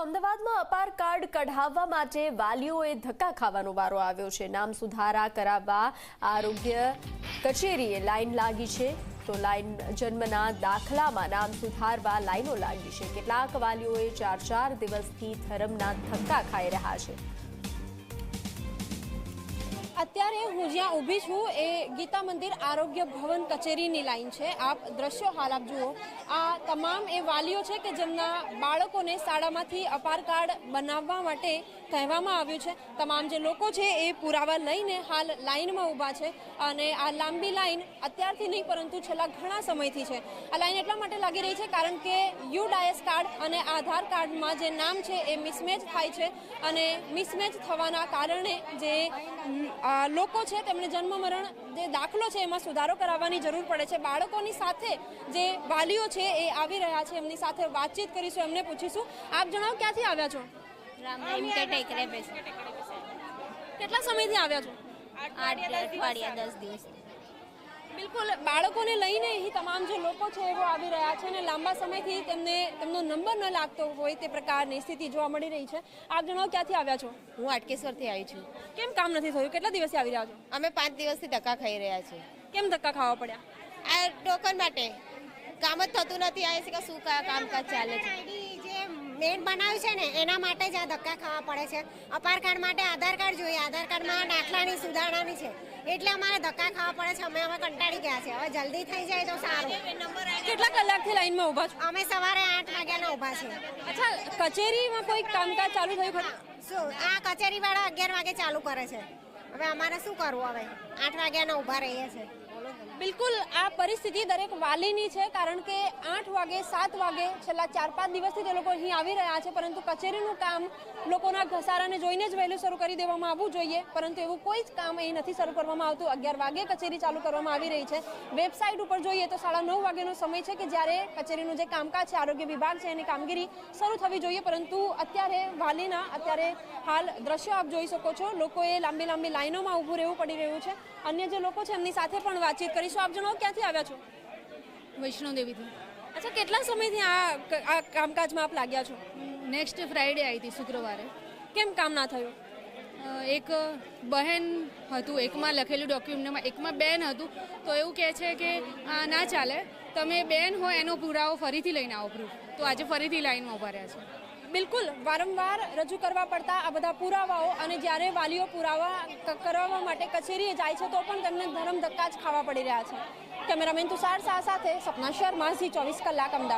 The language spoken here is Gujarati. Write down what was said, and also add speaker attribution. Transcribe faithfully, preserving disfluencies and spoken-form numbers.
Speaker 1: તો અમદાવાદમાં અપાર કાર્ડ કઢાવવા માટે વાલીઓએ ધક્કા ખાવાનો વારો આવ્યો છે। નામ સુધારા કરાવવા આરોગ્ય કચેરીએ લાઈન લાગી છે તો લાઈન જન્મના દાખલામાં નામ સુધારવા લાઈનો લાગી છે। કેટલાક વાલીઓએ ચાર ચાર દિવસથી ધરમના ધક્કા ખાઈ રહ્યા છે।
Speaker 2: અત્યારે હું જ્યાં ઊભી છું એ ગીતા મંદિર આરોગ્ય ભવન કચેરીની લાઈન છે। આપ દ્રશ્યો હાલ આપ જુઓ, આ તમામ એ વાલીઓ છે કે જેમના બાળકોને શાળામાંથી અપાર કાર્ડ બનાવવા માટે કહેવામાં આવ્યું છે। તમામ જે લોકો છે એ પુરાવા લઈને હાલ લાઈનમાં ઊભા છે અને આ લાંબી લાઈન અત્યારથી નહીં પરંતુ છેલ્લા ઘણા સમયથી છે। આ લાઈન એટલા માટે લાગી રહી છે કારણ કે યુ ડાયસ કાર્ડ અને આધાર કાર્ડમાં જે નામ છે એ મિસમેચ થાય છે અને મિસમેચ થવાના કારણે જે લોકો છે તેમને જન્મ મરણ જે દાખલો છે એમાં સુધારો કરાવવાની જરૂર પડે છે। બાળકોની સાથે જે વાલીઓ છે એ આવી રહ્યા છે, એમની સાથે વાતચીત કરીશું, એમને પૂછીશું। આપ જણાવો, ક્યાંથી આવ્યા છો? કેટલા સમયથી આવ્યા છો?
Speaker 3: આઠ અઠવાડિયા દસ દિવસ।
Speaker 2: બિલકુલ, બાળકોને લઈને અહીં તમામ જે લોકો છે એવો આવી રહ્યા છે અને લાંબા સમયથી તેમને તેમનો નંબર ન લાગતો હોય તે પ્રકારની સ્થિતિ જોવા મળી રહી છે। આપ જણાવો, ક્યાંથી આવ્યા છો?
Speaker 3: હું આટકેશ્વરથી આવી છું।
Speaker 2: કેમ કામ નથી થયું? કેટલા દિવસથી આવી રહ્યા છો?
Speaker 3: અમે પાંચ દિવસથી ધક્કા ખાઈ રહ્યા છીએ।
Speaker 2: કેમ ધક્કા ખાવા પડ્યા?
Speaker 3: આ ટોકન માટે કામ જ થતું નથી। આ છે કે શું કામકાજ ચાલે છે?
Speaker 4: જે મેન બનાવ્યું છે ને એના માટે જ આ ધક્કા ખાવા પડે છે। અપાર કાર્ડ માટે આધાર કાર્ડ જોઈએ, આધાર કાર્ડમાં દાખલાની સુધારણાની છે એટલે અમારે ધક્કા ખાવા પડે છે। અમે હવે કંટાળી ગયા છે, હવે જલ્દી થઈ જાય તો સારું।
Speaker 2: કેટલા કલાકથી લાઈનમાં ઊભા છો?
Speaker 4: અમે સવારે આઠ વાગ્યાના ઊભા છીએ।
Speaker 2: અચ્છા, કચેરીમાં કોઈ કામકાજ ચાલુ થયું ખરું?
Speaker 4: શું આ કચેરી વાળા અગિયાર વાગે ચાલુ કરે છે, હવે અમારે શું કરવું? હવે આઠ વાગ્યાના ઊભા રહીએ છીએ।
Speaker 2: બિલકુલ, આ પરિસ્થિતિ દરેક વાલીની છે કારણ કે આઠ વાગે સાત વાગે છેલ્લા ચાર પાંચ દિવસથી તે લોકો અહીં આવી રહ્યા છે પરંતુ કચેરીનું કામ લોકોના ઘસારાને જોઈને જ વહેલું શરૂ કરી દેવામાં આવવું જોઈએ પરંતુ એવું કોઈ જ કામ અહીં નથી શરૂ કરવામાં આવતું। અગિયાર વાગે કચેરી ચાલુ કરવામાં આવી રહી છે। વેબસાઇટ ઉપર જોઈએ તો સાડા નવ વાગ્યાનો સમય છે કે જ્યારે કચેરીનું જે કામકાજ છે, આરોગ્ય વિભાગ છે એની કામગીરી શરૂ થવી જોઈએ પરંતુ અત્યારે વાલીના અત્યારે હાલ દ્રશ્યો આપ જોઈ શકો છો, લોકોએ લાંબી લાંબી લાઈનોમાં ઊભું રહેવું પડી રહ્યું છે। અન્ય જે લોકો છે એમની સાથે પણ વાતચીત કરીશું। આપ જણાવો, ક્યાંથી આવ્યા છો?
Speaker 5: વૈષ્ણોદેવીથી।
Speaker 2: અચ્છા, કેટલા સમયથી આ આ કામકાજમાં આપ લાગ્યા છો?
Speaker 5: નેક્સ્ટ ફ્રાઈડે આવી હતી, શુક્રવારે।
Speaker 2: કેમ કામ ના થયું?
Speaker 5: એક બહેન હતું, એકમાં લખેલું ડોક્યુમેન્ટમાં, એકમાં બેન હતું તો એવું કહે છે કે આ ના ચાલે, તમે બેન હોય એનો પુરાવો ફરીથી લઈને આવો પ્રૂફ। તો આજે ફરીથી લાઈનમાં ઉભા રહ્યા છે।
Speaker 2: બિલકુલ, વારંવાર રજૂ કરવા પડતા આ બધા પુરાવાઓ અને જ્યારે વાલીઓ પુરાવા કરાવવા માટે કચેરીએ જાય છે તો પણ તેમને ધરમ ધક્કા જ ખાવા પડી રહ્યા છે। કેમેરામેન તુષાર શાહ સાથે સપના શર્મા, ઝી ચોવીસ કલાક, અમદાવાદ।